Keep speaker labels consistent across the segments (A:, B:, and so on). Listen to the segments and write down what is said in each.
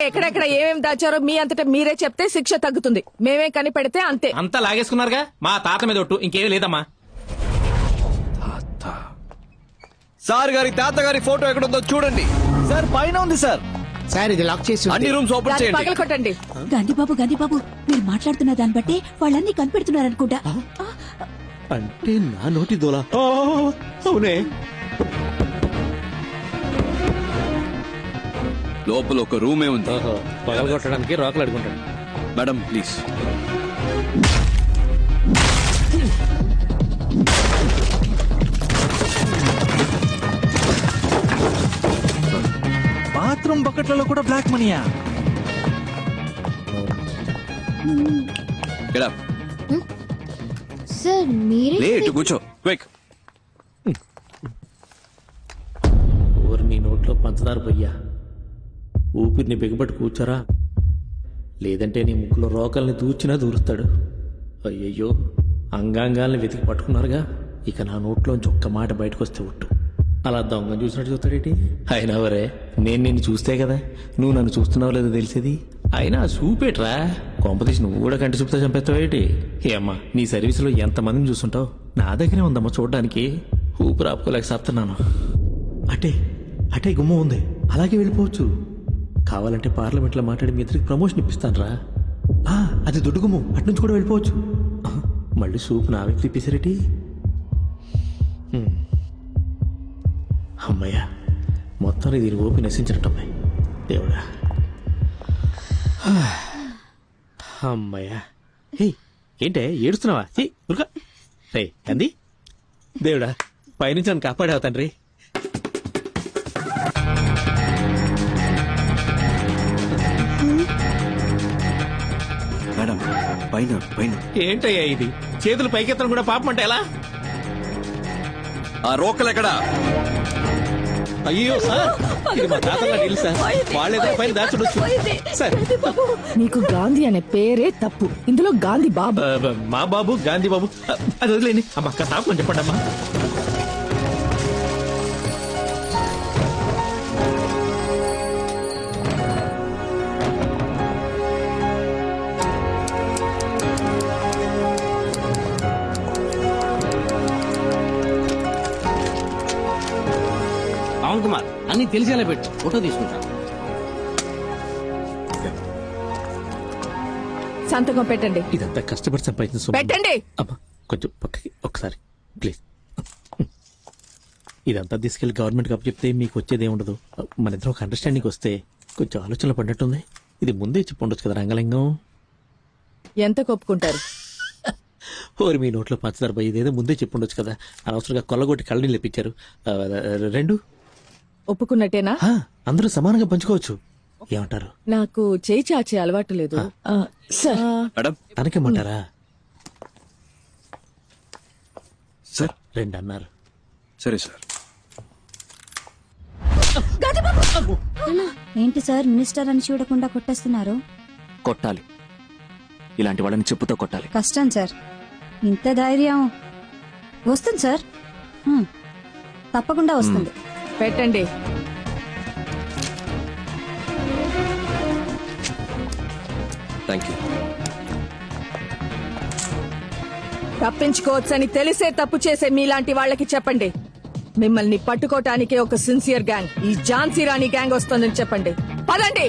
A: ఎక్కడెక్కడ ఏమేమి దాచారో మీ అంతటా మీరే చెప్తే శిక్ష తగ్గుతుంది. మేమే కనిపెడితే అంతే.
B: అంతా లాగేసుకున్నారుగా, మా తాత మీద ఒట్టు, ఇంకేమీ లేదమ్మా.
C: సార్ గారి తాతగారి ఫోటో ఎక్కడుందో చూడండి
D: సార్. పైన ఉంది సార్.
E: సార్ ఇది లాక్ చేసి
C: అన్ని రూమ్స్ ఓపెన్ చేయండి.
A: పగల కొట్టండి.
F: గాంధీబాబు మీరు మాట్లాడుతున్న దాన్ని బట్టి వాళ్ళన్నీ కనిపెడుతున్నారనుకుంటా.
D: అంటే నా నోటి దోల. అవునే.
C: లోపల ఒక రూమే ఉంది.
D: పగల కొట్టడానికి రాకలు అడుగుంటాడు.
C: Madam please.
D: బాత్రూమ్ బకెట్లలో కూడా బ్లాక్ మనీయా?
C: Get up.
F: సార్ మీరే
C: లేట్ కూర్చో క్విక్.
D: ఊరి నీ నోట్లో పంచదార పొయ్యా. ఊపిరిని బిగబట్టి కూర్చోరా, లేదంటే నీ ముక్కులో రోకల్ని దూచినా దూరుస్తాడు. అయ్యయ్యో, అంగాంగాల్ని వెతికి పట్టుకున్నారుగా. ఇక నా నోట్లోంచి ఒక్క మాట బయటకు వస్తే ఒట్టు. అలా దొంగ చూసినట్టు చూస్తాడేటి? అయినా వరే, నేను నిన్ను చూస్తే కదా నువ్వు నన్ను చూస్తున్నావు లేదో తెలిసేది. అయినా చూపేట్రా, కాంపిటీషన్ నువ్వు కూడా కంటి చూపుతా చంపేస్తావేటి? ఏమ్మా, నీ సర్వీసులో ఎంతమందిని చూస్తుంటావు, నా దగ్గరే ఉందమ్మా చూడడానికి. ఊపిరి ఆపుకోలేక సత్తున్నాను. అటే అటే గుమ్మ ఉంది, అలాగే వెళ్ళిపోవచ్చు. కావాలంటే పార్లమెంట్లో మాట్లాడి మీ ఇద్దరికి ప్రమోషన్ ఇప్పిస్తాను రా. అది దొడ్డు గుమ్ము, అట్నుంచి కూడా వెళ్ళిపోవచ్చు. మళ్ళీ సూప్ నా వ్యక్తి తిప్పేసారేటి? అమ్మయ్యా, మొత్తం దీని ఓపి నశించినట్టమ్మాయి. దేవుడా, అమ్మయ్యా. హే, ఏంటే ఏడుస్తున్నావా? ఉరుక రే అంది. దేవుడా, పైనుంచి నన్ను కాపాడావు తండ్రి.
C: మేడం పైన పైన.
B: ఏంటయ్యా ఇది, చేతులు పైకెత్తడం కూడా పాపం అంటే ఎలా?
C: ఆ రోకలు ఎక్కడా?
B: అయ్యో సార్, ఇది మా తాతగా డీల్ సార్. వాళ్ళేదో పైన దాచుడొచ్చు సార్.
A: నీకు గాంధీ అనే పేరే తప్పు. ఇందులో గాంధీ బాబు.
B: మా బాబు గాంధీ బాబు, అది వదిలేండి. అమ్మ అక్క తాపని చెప్పండి అమ్మా.
E: పవన్ కుమార్ అన్ని తెలిసేలా పెట్టు, ఫోటో తీసుకుంటా.
A: సంతకం పెట్టండి.
D: ఇదంతా కష్టపడి సంపాదించిన సొమ్ము.
A: పెట్టండి.
D: అమ్మా కొంచెం పక్కకి ఒకసారి ప్లీజ్. ఇదంతా తీసుకెళ్లి గవర్నమెంట్ కప్పు చెప్తే మీకు వచ్చేది ఏముండదు. మన ఇద్దరు ఒక అండర్స్టాండింగ్ వస్తే కొంచెం ఆలోచనలు పడినట్టుంది. ఇది ముందే చెప్పుండొచ్చు కదా రంగలింగం.
A: ఎంత కొప్పుకుంటారు?
D: ఓరి మీ నోట్లో పంచదార పోయి, ఇదేదో ముందే చెప్పుండొచ్చు కదా. అనవసరంగా కొల్లగొట్టి కళ్ళని లేపించారు. రెండు
A: ఒప్పుకున్నట్టేనా?
D: అందరూ సమానంగా పంచుకోవచ్చు. ఏమంటారు?
A: నాకు చేయి చాచే అలవాటు లేదు సార్.
C: మేడం
D: తనకేమంటారా?
C: సార్
D: రెండు అన్నారు.
C: సరే సార్.
F: ఏంటి సార్ మినిస్టర్ అని చూడకుండా కొట్టేస్తున్నారు?
G: కొట్టాలి, ఇలాంటి వాళ్ళని చెప్పుతో కొట్టాలి.
F: కష్టం సార్, ఇంత ధైర్యం వస్తుంది సార్. తప్పకుండా వస్తుంది.
A: పెట్టండి.
C: Thank you.
A: తప్పించుకోవచ్చని తెలిసే తప్పు చేసే మీలాంటి వాళ్ళకి చెప్పండి, మిమ్మల్ని పట్టుకోటానికే ఒక సిన్సియర్ గ్యాంగ్, ఈ ఝాన్సీ రాణి గ్యాంగ్ వస్తుందని చెప్పండి. పదండి.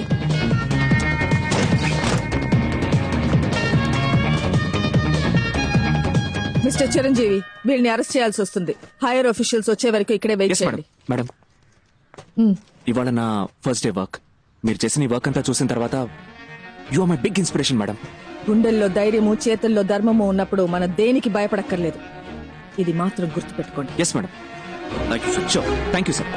A: మిస్టర్ చిరంజీవి, వీళ్ళని అరెస్ట్ చేయాల్సి వస్తుంది. హైయర్ ఆఫీషియల్స్ వచ్చే వరకు ఇక్కడే వెయిట్
G: Yes,
A: చేయండి.
G: మేడం. ఇవాళ నా ఫస్ట్ డే వర్క్. మీరు చేసిన ఈ వర్క్ అంతా చూసిన తర్వాత you are my big inspiration madam.
A: గుండెల్లో ధైర్యము, చేతుల్లో ధర్మము ఉన్నప్పుడు మనం దేనికి భయపడక్కర్లేదు. ఇది మాత్రం గుర్తుపెట్టుకోండి.
G: Yes madam.
C: Thank you sir.
G: Sure, thank you sir.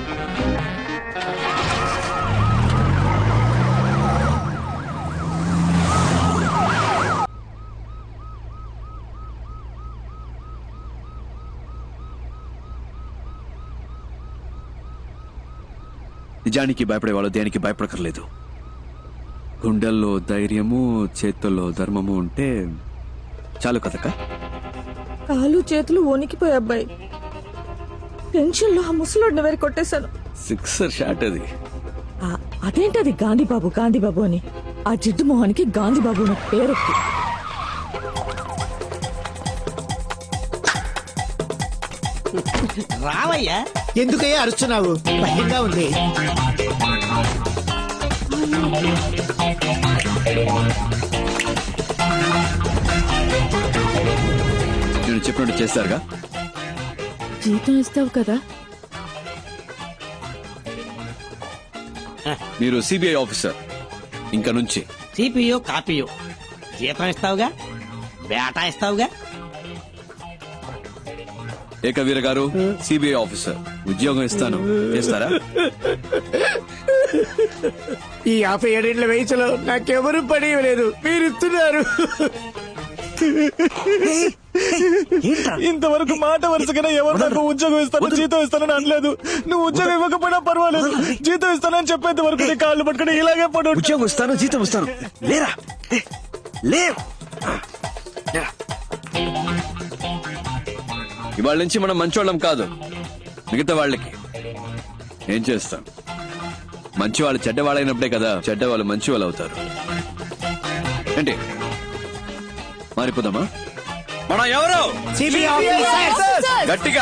C: నిజానికి భయపడేవాళ్ళు దేనికి భయపడకర్లేదు. గుండెల్లో ధైర్యము, చేతుల్లో ధర్మము ఉంటే చాలు కదక్క.
A: కాలు చేతులు వణికిపోయి అబ్బాయి, టెన్షన్ లో ఆ ముసలోడిని వేరు కొట్టేశాను.
C: సిక్సర్ షాట్ అది.
A: అదేంటది గాంధీబాబు గాంధీబాబు అని? ఆ జిడ్డు మొహానికి గాంధీబాబు అనే పేరు.
E: రావయ్యా.
H: ఎందుకయ్యా అరుస్తున్నావు? భయంగా ఉంది.
C: నేను చెప్పినట్టు చేస్తారుగా.
A: జీతం ఇస్తావు కదా?
C: మీరు సిబిఐ ఆఫీసర్ ఇంకా నుంచి.
E: సిపియో కాపీయో జీతం ఇస్తావుగా, బేటా ఇస్తావుగా.
C: ఏకవీర గారు సిబిఐ ఆఫీసర్, ఉద్యోగం ఇస్తాను, చేస్తారా?
H: ఈ 57 వయసులో నాకెవరూ పని ఇవ్వలేదు, మీరు ఇస్తున్నారు.
I: ఇంతవరకు మాట వరుసగా ఎవరు నాకు ఉద్యోగం ఇస్తాను జీతం ఇస్తానని అనలేదు. నువ్వు ఉద్యోగం ఇవ్వకపోయినా పర్వాలేదు, జీతం ఇస్తానని చెప్పేంత వరకు నీ కాళ్ళు పట్టుకుని ఇలాగే పడు.
C: ఉద్యోగం ఇస్తాను, జీతం ఇస్తాను. లేరా లేవు. ఇవాళ నుంచి మనం మంచోళ్ళం కాదు, మిగతా వాళ్ళకి ఏం చేస్తాం. మంచి వాళ్ళు చెడ్డవాళ్ళైనప్పుడే కదా చెడ్డవాళ్ళు మంచి వాళ్ళు అవుతారు. ఏంటి మారిపోదామా? మనం ఎవరు? గట్టిగా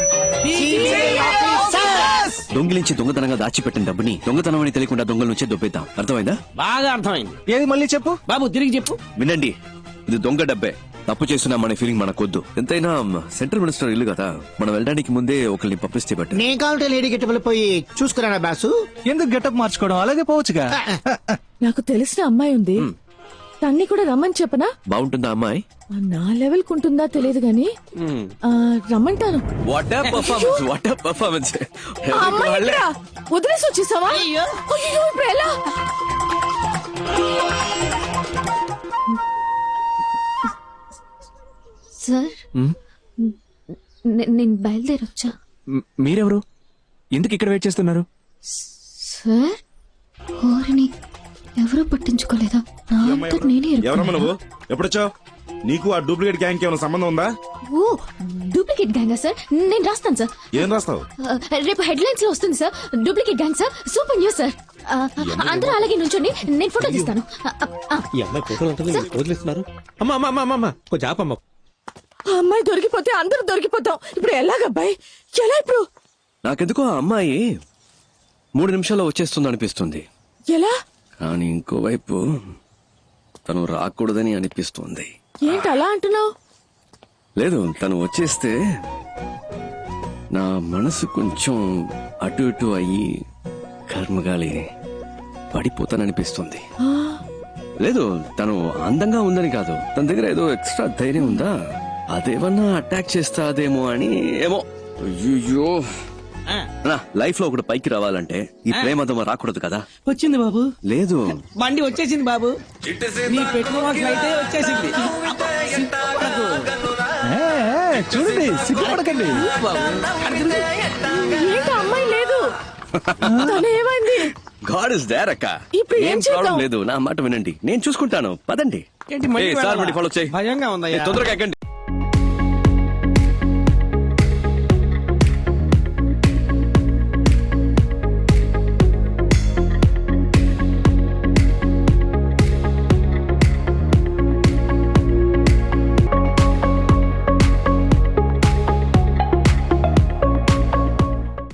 C: దొంగిలించి దొంగతనంగా దాచిపెట్టిన డబ్బుని దొంగతనం అని తెలియకుండా దొంగల నుంచే దొబ్బేద్దాం. అర్థమైందా?
E: బాగా అర్థమైంది.
I: ఏది మళ్ళీ చెప్పు
E: బాబు, తిరిగి చెప్పు.
C: వినండి, ఇది దొంగ డబ్బే. తప్పు చేస్తున్నామనే ఫీలింగ్ మనకొద్దు. ఎంతైనా సెంట్రల్ మినిస్టర్ ఇల్లు కదా, మనం వెళ్ళడానికి ముందే ఒకరిని పంపిస్తే బట్టి.
H: నేను కావాలంటే లేడీ గెటబుల్ పోయి చూసుకురానా బాసు?
I: ఎందుకు గెటప్ మార్చుకోవడం, అలాగే పోవచ్చుగా.
A: నాకు తెలిసిన అమ్మాయి ఉంది, తన్ని కూడా రమ్మని చెప్పనా?
C: బాగుంటుందా అమ్మాయి?
A: నా లెవెల్ కుంటుందా తెలియదు గాని రమ్మంటాను.
C: What performance, what performance.
A: ఆ అమ్మాయి ఎక్కడా? వదిలేసి వచ్చేసావా?
E: అయ్యో.
A: అయ్యో, ఇప్పుడు ఎలా?
F: సార్ నేను బయలుదేరొచ్చా?
G: మీరెవరు? ఎందుకు ఇక్కడ వెయిట్ చేస్తున్నారు?
F: సార్ ఓరిని ఎవరూ పట్టించుకోలేదా? నా అంతట నేనే
J: ఎవరమ్మా
F: ఇరుక్కున్నానా?
J: నువ్వు? ఎప్పుడొచ్చావు? నీకు ఆ డూప్లికేట్ గ్యాంగ్ ఏమైనా సంబంధం ఉందా?
F: ఓ డూప్లికేట్ గ్యాంగా సార్? నేను రాస్తాను సార్.
J: ఏం రాస్తావు?
F: రేపు హెడ్లైన్స్ లో వస్తుంది సార్. Duplicate gang sir, super news sir. అందరూ అలాగే నుంచోండి, నేను ఫోటో తీస్తాను.
B: ఈ అమ్మాయి ఫోటోలు ఉంటుంది, వదిలేస్తున్నారు. అమ్మా అమ్మా అమ్మా అమ్మా కొంచెం ఆపమ్మా.
A: ఆ అమ్మాయి దొరికిపోతే అందరూ దొరికిపోతాం. ఇప్పుడు ఎలాగబ్బాయి? ఎలా ఇప్పుడు?
C: నాకెందుకో ఆ అమ్మాయి 3 నిమిషాల్లో వచ్చేస్తుంది అనిపిస్తుంది.
A: ఎలా?
C: కానీ ఇంకోవైపు తను రాకూడదని అనిపిస్తుంది.
A: ఏంటి అలా అంటున్నావు?
C: లేదు, తను వచ్చేస్తే నా మనసు కొంచెం అటు ఇటు అయ్యి కర్మగాలి పడిపోతాననిపిస్తుంది. లేదు, తను అందంగా ఉందని కాదు, తన దగ్గర ఏదో ఎక్స్ట్రా ధైర్యం ఉందా, అదేమన్నా అటాక్ చేస్తాదేమో అని. ఏమో. అయ్యో, నా లైఫ్ లో ఒకటి పైకి రావాలంటే ఈ ప్రేమదమ రాకూడదు కదా.
E: వచ్చింది బాబు.
C: లేదు,
E: బండి వచ్చేసింది బాబు. నీ పెట్రోల్ అయితే వచ్చేసింది. సిగ్గుపడకు.
I: చూడండి, సిగ్గుపడకండి.
A: ఏంటి అమ్మాయి లేదు? తను ఏమైంది?
C: గాడ్ ఇస్ దేర్ అక్క.
A: ఇప్పుడు ఏం
C: ఏం ప్రాబ్లం
A: చేద్దాం?
C: లేదు, నా మాట వినండి, నేను చూసుకుంటాను. పదండి.
E: ఏంటి మళ్ళీ
C: ఏ, సార్
E: వెళ్ళాలా?
C: మళ్ళీ ఫాలో చేయి.
E: భయంగా ఉందయ్యా.
C: ఏ, తొందరగా ఎక్కండి.